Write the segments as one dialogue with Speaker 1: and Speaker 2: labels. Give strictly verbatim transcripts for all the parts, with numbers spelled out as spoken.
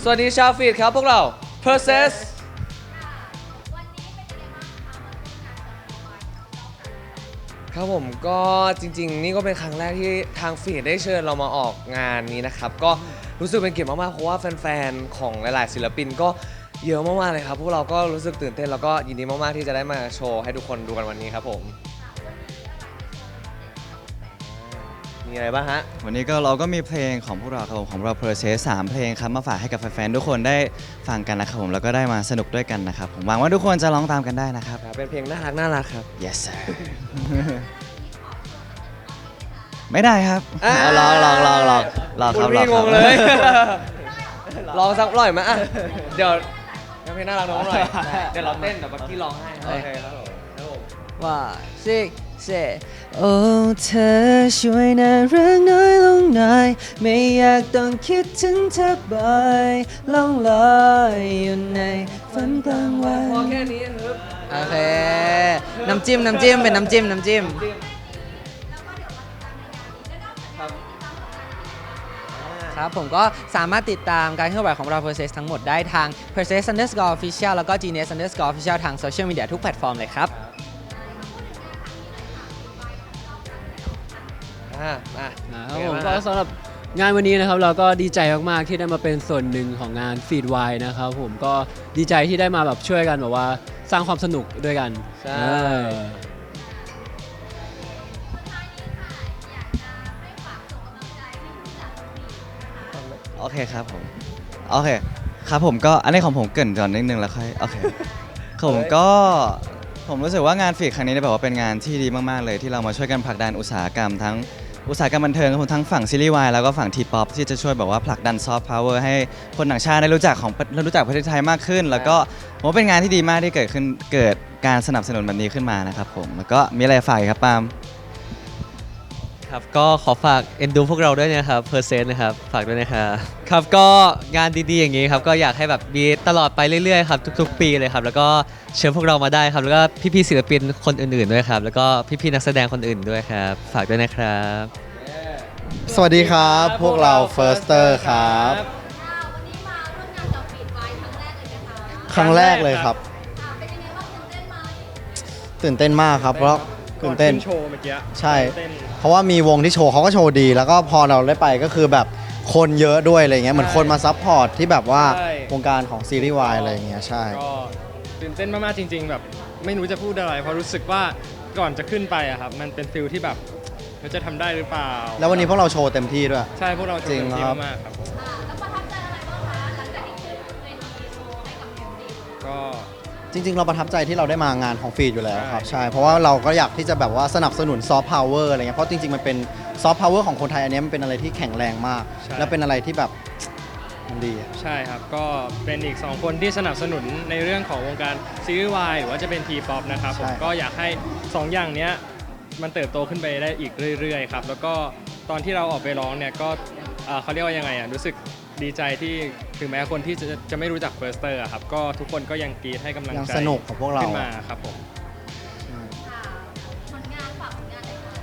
Speaker 1: สวัสดีชาวฟีดครับพวกเรา Process ครับผมก็จริงๆนี่ก็เป็นครั้งแรกที่ทางฟีดได้เชิญเรามาออกงานนี้นะครับก็รู้สึกเป็นเกียรติมากๆเพราะว่าแฟนๆของหลายๆศิลปินก็เยอะมากๆเลยครับพวกเราก็รู้สึกตื่นเต้นแล้วก็ยินดีมากๆที่จะได้มาโชว์ให้ทุกคนดูกันวันนี้ครับผมมีอะไรบ้างฮะ
Speaker 2: วันนี้ก็เราก็มีเพลงของพวกเราครับผมของเรา Process สามเพลงครับมาฝากให้กับแฟนๆทุกคนได้ฟังกันนะครับผมแล้วก็ได้มาสนุกด้วยกันนะครับผมหวังว่าทุกคนจะร้องตามกันได้นะครับ
Speaker 1: เป็นเพลงน่ารักน่ารักครับ
Speaker 2: yes sir ไม่ได้ครับ
Speaker 1: อ่า
Speaker 2: ลองลองลองลองลองครับลอง
Speaker 1: งงเลยลองสักหน่อยไหมอ่ะเดี๋ยวเพลงน่ารักน้องหน่อยเดี๋ยวเราเต้นเดี๋ยวบักกี้ร้องให้โอเคครับผมครับผม
Speaker 3: ว่าซิกเซโอ้เธอช่วยน่ารักน้อยลงหน่อยไม่อยากต้องคิดถึงเธอบ่อยล่องลอยอยู่ในฝันกลางวัน
Speaker 1: พอแค่นี้ครับ
Speaker 3: โอเคน้ำจิ้มน้ำจิ้มเป็นน้ำจิ้มน้ำจิ้มครับผมก็สามารถติดตามการเคลื่อนไหวของเรา Process ทั้งหมดได้ทาง Process underscore official แล้วก็ Genius underscore official ทางโซเชียลมีเดียทุกแพลตฟอร์มเลยครับ
Speaker 1: อ่าอ่ะ
Speaker 4: ครับผมก็สำหรับงานวันนี้นะครับเราก็ดีใจมากๆที่ได้มาเป็นส่วนหนึ่งของงานฟีดไวนะครับผมก็ดีใจที่ได้มาแบบช่วยกันแบบว่าสร้างความสนุกด้วยกัน
Speaker 1: ใช่
Speaker 2: โอเคครับผมโอเคครับผมก็อันนี้ของผมเกริ่นก่อนนิดนึงแล้วค่อยโอเคผมก็ผมรู้สึกว่างานฟีดครั้งนี้เนี่ยแบบว่าเป็นงานที่ดีมากๆเลยที่เรามาช่วยกันผลักดันอุตสาหกรรมทั้งอุตสาหกรรมบันเทิงทั้งฝั่งซีรีส์วายแล้วก็ฝั่งทีป๊อปที่จะช่วยแบบว่าผลักดันซอฟต์พาวเวอร์ให้คนต่างชาติได้รู้จักของรู้จักประเทศไทยมากขึ้น แล้วก็ผมว่าเป็นงานที่ดีมากที่เกิดขึ้นเกิดการสนับสนุนแบบนี้ขึ้นมานะครับผมแล้วก็มีอะไรฝากครับปาล์ม
Speaker 5: ครับก็ขอฝากเอ็นดูพวกเราด้วยนะครับเพอร์เซนต์นะครับฝากด้วยนะครับครับก็งานดีๆอย่างนี้ครับก็อยากให้แบบมีตลอดไปเรื่อยๆครับทุกๆปีเลยครับแล้วก็เชิญพวกเรามาได้ครับแล้วก็พี่ๆศิลปินคนอื่นๆด้วยครับแล้วก็พี่ๆนักแสดงคนอื่นด้วยครับฝากด้วยนะครับ
Speaker 6: สวัสดีครับพวกเรา Firster ครับ
Speaker 7: วันนี้มาร่วมงานกับฟีดไวท์ครั้งแรกเลยไหมคะ
Speaker 6: ครั้งแรกเลยครับ
Speaker 7: อ่าเป็นยังไงบ้างตื่นเต้นไหม
Speaker 6: ตื่นเต้นมากครับเพราะตื่นเต้น
Speaker 8: โชว์เมื่อกี้
Speaker 6: ใช่ เพราะว่ามีวงที่โชว์เขาก็โชว์ดี แล้วก็พอเราได้ไปก็คือแบบคนเยอะด้วยอะไรเงี้ยเหมือนคนมาซัพพอร์ตที่แบบว่าวงการของซีรีส์วายอะไรเงี้ยใช่
Speaker 8: ก็ตื่นเต้นมากๆจริง ๆ แบบไม่รู้จะพูดอะไรเพราะรู้สึกว่าก่อนจะขึ้นไปอะครับมันเป็นฟิลที่แบบเราจะทำได้หรือเปล่า
Speaker 6: แล้ววันนี้พวกเราโชว์เต็มที่ด้วย
Speaker 8: ใช่พวกเราโชว์เต็มที่มากๆครับ
Speaker 7: อ่าแล้วประทับใจอะไรบ้างคะหลังจากที่ขึ้นเวทีโชว์ให้กับแฟนดี
Speaker 8: ก็
Speaker 6: จริงๆ เราประทับใจที่เราได้มางานของฟีดอยู่แล้วครับ
Speaker 8: ใช่
Speaker 6: ใช่เพราะว่าเราก็อยากที่จะแบบว่าสนับสนุนซอฟต์พาวเวอร์อะไรเงี้ยเพราะจริงๆ มันเป็นซอฟต์พาวเวอร์ของคนไทยอันนี้มันเป็นอะไรที่แข็งแรงมาก และเป็นอะไรที่แบบมันดีอะ
Speaker 8: ใช่ครับก็เป็นอีกสองคนที่สนับสนุนในเรื่องของวงการซีรีส์วายหรือว่าจะเป็นทีป๊อปนะครับผมก็อยากให้สองอย่างเนี้ยมันเติบโตขึ้นไปได้อีกเรื่อยๆครับแล้วก็ตอนที่เราออกไปร้องเนี่ยก็เอ่อเขาเรียกว่ายังไงอ่ะรู้สึกดีใจที่ถึงแม้คนที่จะจะไม่รู้จักเฟิร์สเตอร์ครับก็ทุกคนก็ยังกรีดให้กำลัง
Speaker 6: ยัง
Speaker 8: ใจ
Speaker 6: สนุกกับพวกเรา
Speaker 8: ขึ้นมาครับผม
Speaker 7: ค่ะผลงานฝากผลงานหน่อยค่ะ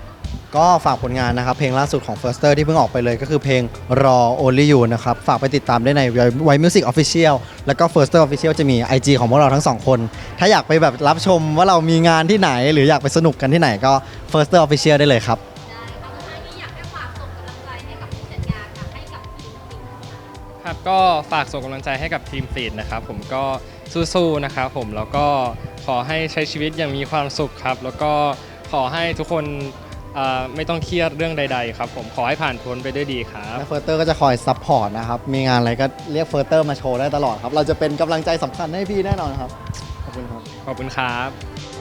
Speaker 6: ก็ฝากผลงานนะครับ เพลงล่าสุดของ Firster ที่เพิ่งออกไปเลยก็คือเพลงรอ Only You นะครับ ฝากไปติดตามได้ใน White Music Official แล้วก็ Firster Official จะมี ไอ จี ของพวกเราทั้งสองคน ถ้าอยากไปแบบรับชมว่าเรามีงานที่ไหน หรืออยากไปสนุกกันที่ไหนก็ Firster Official ได้เลยครับ
Speaker 7: ได้ค่ะสุดท้ายนี้อยากให้ฝากส่งกำลังใจให้กับผู้จัดงานค่ะให้กับทีมฟีดค่ะ
Speaker 8: ครับก็ฝากส่งกำลังใจให้กับทีมฟีดนะครับผมก็สู้ๆนะครับผมแล้วก็ขอให้ใช้ชีวิตอย่างมีความสุขครับแล้วก็ขอให้ทุกคนอ่าไม่ต้องเครียดเรื่องใดๆครับผมขอให้ผ่านพ้นไปด้วยดีครับ
Speaker 6: และเฟิร์สเตอร์ก็จะคอยซัพพอร์ตนะครับ มีงานอะไรก็เรียกเฟิร์สเตอร์มาโชว์ได้ตลอดครับ เราจะเป็นกำลังใจสำคัญให้พี่แน่นอนครับ ขอบคุณครับ
Speaker 8: ขอบคุณครับ